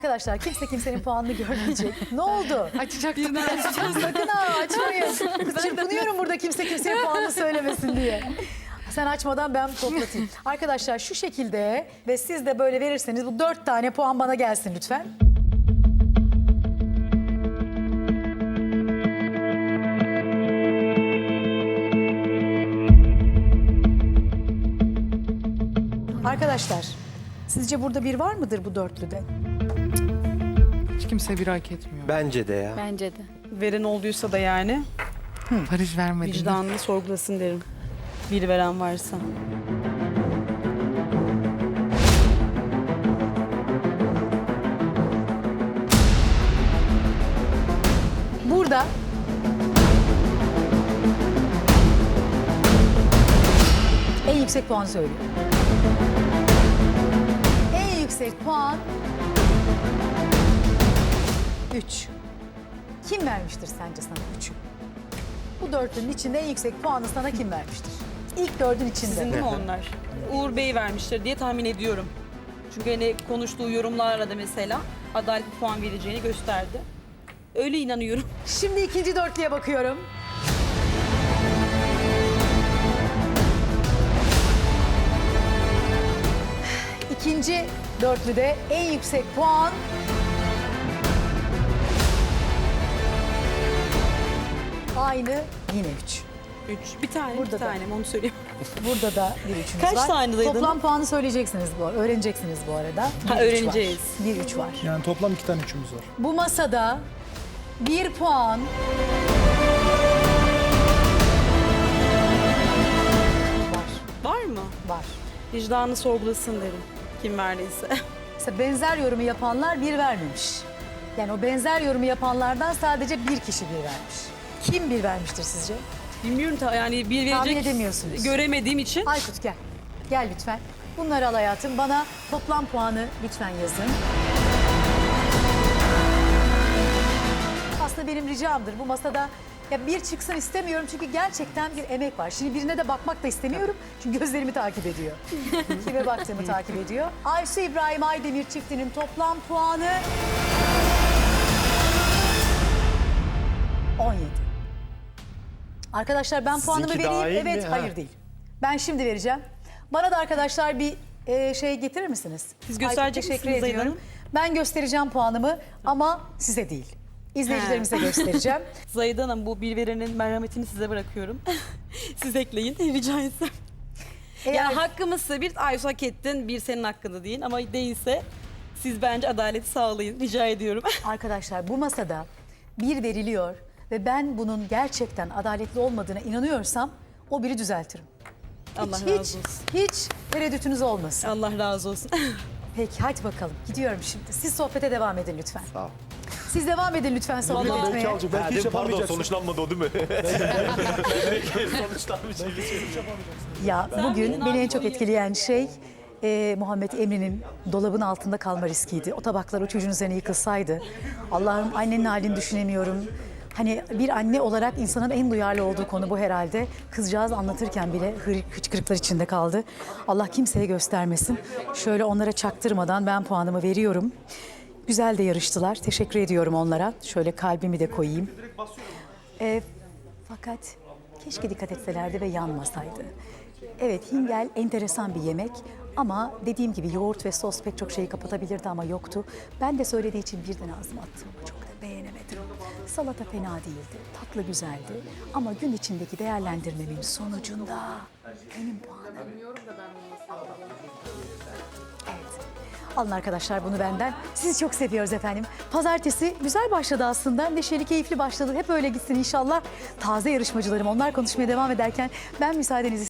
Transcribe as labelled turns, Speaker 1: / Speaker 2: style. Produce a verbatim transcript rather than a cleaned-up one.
Speaker 1: Arkadaşlar kimse kimsenin puanını görmeyecek. Ne oldu?
Speaker 2: Açacaktım ben.
Speaker 1: Sakın ha açmayın. Çırpınıyorum burada kimse kimseye puanını söylemesin diye. Sen açmadan ben toplatayım. Arkadaşlar şu şekilde ve siz de böyle verirseniz bu dört tane puan bana gelsin lütfen. Arkadaşlar sizce burada bir var mıdır bu dörtlüde?
Speaker 2: Hiç kimse bir hak etmiyor.
Speaker 3: Bence de ya.
Speaker 4: Bence de.
Speaker 5: Veren olduysa da yani
Speaker 2: Barış vermedi.
Speaker 5: vicdanını sorgulasın derim. Bir veren varsa.
Speaker 1: Burada en yüksek puanı söylüyor. En yüksek puan üç. Kim vermiştir sence sana üçü? Bu dörtlünün içinde en yüksek puanı sana kim vermiştir? İlk dördün içinde.
Speaker 5: Sizin değil mi onlar? Uğur Bey vermiştir diye tahmin ediyorum. Çünkü hani konuştuğu yorumlarla da mesela adaletli puan vereceğini gösterdi. Öyle inanıyorum.
Speaker 1: Şimdi ikinci dörtlüye bakıyorum. İkinci dörtlüde en yüksek puan aynı yine üç.
Speaker 5: Üç. Bir tane,
Speaker 1: Burada
Speaker 5: bir
Speaker 1: da.
Speaker 5: tane onu söyleyeyim.
Speaker 1: Burada da bir üçümüz
Speaker 5: Kaç
Speaker 1: var.
Speaker 5: tanedeydin?
Speaker 1: Toplam puanı söyleyeceksiniz bu, öğreneceksiniz bu arada.
Speaker 5: Ha,
Speaker 1: Bir üç
Speaker 5: öğreneceğiz.
Speaker 1: var. Bir üç var.
Speaker 6: Yani toplam iki tane üçümüz var.
Speaker 1: Bu masada bir puan var.
Speaker 5: Var mı?
Speaker 1: Var.
Speaker 5: Vicdanını sorgulasın derim. Kim verdiyse.
Speaker 1: Mesela benzer yorumu yapanlar bir vermemiş. Yani o benzer yorumu yapanlardan sadece bir kişi bir vermiş. Kim bir vermiştir sizce?
Speaker 5: Bilmiyorum ta yani bir
Speaker 1: Tahmin
Speaker 5: verecek
Speaker 1: edemiyorsunuz.
Speaker 5: göremediğim için.
Speaker 1: Aykut gel. Gel lütfen. Bunları al hayatım. Bana toplam puanı lütfen yazın. Aslında benim ricamdır bu masada ya bir çıksın istemiyorum çünkü gerçekten bir emek var. Şimdi birine de bakmak da istemiyorum çünkü gözlerimi takip ediyor. Kime baktığımı takip ediyor. Aysu İbrahim Aydemir çiftinin toplam puanı on yedi. Arkadaşlar ben puanımı
Speaker 3: Sizinki
Speaker 1: vereyim.
Speaker 3: dahil
Speaker 1: Evet,
Speaker 3: mi? Ha.
Speaker 1: hayır değil. Ben şimdi vereceğim. Bana da arkadaşlar bir e, şey getirir misiniz?
Speaker 5: Siz gösterecek
Speaker 1: Aykut, teşekkür
Speaker 5: misiniz Zeyda
Speaker 1: ediyorum.
Speaker 5: Hanım?
Speaker 1: Ben göstereceğim puanımı ama size değil. İzleyicilerimize göstereceğim.
Speaker 5: Zahide Hanım bu bir verenin merhametini size bırakıyorum. Siz ekleyin rica etsem.
Speaker 1: Eğer
Speaker 5: Yani hakkımızsa bir Aysu hak ettin, bir senin hakkında değil ama değilse siz bence adaleti sağlayın rica ediyorum.
Speaker 1: arkadaşlar bu masada bir veriliyor ve ben bunun gerçekten adaletli olmadığına inanıyorsam o biri düzeltirim.
Speaker 5: Allah
Speaker 1: hiç,
Speaker 5: razı
Speaker 1: hiç,
Speaker 5: olsun.
Speaker 1: hiç tereddütünüz olmasın.
Speaker 5: Allah razı olsun.
Speaker 1: Peki hadi bakalım gidiyorum şimdi. Siz sohbete devam edin lütfen.
Speaker 3: Sağ ol.
Speaker 1: Siz devam edin lütfen sohbet
Speaker 5: Vallahi
Speaker 1: etmeye.
Speaker 6: Belki alacak, belki
Speaker 3: Ha,
Speaker 6: hiç
Speaker 3: değil mi? Pardon
Speaker 6: yapamayacaksın.
Speaker 3: sonuçlanmadı o değil mi? Sonuçlanmış.
Speaker 1: Ya bugün beni en çok etkileyen şey e, Muhammed Emre'nin dolabın altında kalma riskiydi. O tabaklar o çocuğun üzerine yıkılsaydı. Allah'ım annenin halini düşünemiyorum. Hani bir anne olarak insanın en duyarlı olduğu konu bu herhalde. Kızcağız anlatırken bile hır- hıçkırıklar içinde kaldı. Allah kimseye göstermesin. Şöyle onlara çaktırmadan ben puanımı veriyorum. Güzel de yarıştılar. Teşekkür ediyorum onlara. Şöyle kalbimi de koyayım. E, fakat keşke dikkat etselerdi ve yanmasaydı. Evet, hingel enteresan bir yemek ama dediğim gibi yoğurt ve sos pek çok şeyi kapatabilirdi ama yoktu. Ben de söylediği için birden ağzıma attım ama çok da beğenemedim. Salata fena değildi, tatlı güzeldi ama gün içindeki değerlendirmemin sonucunda benim puanım. Evet. Alın arkadaşlar bunu benden. Sizi çok seviyoruz efendim. Pazartesi güzel başladı aslında. Neşeli, keyifli başladı. Hep öyle gitsin inşallah. Taze yarışmacılarım onlar konuşmaya devam ederken ben müsaadenizi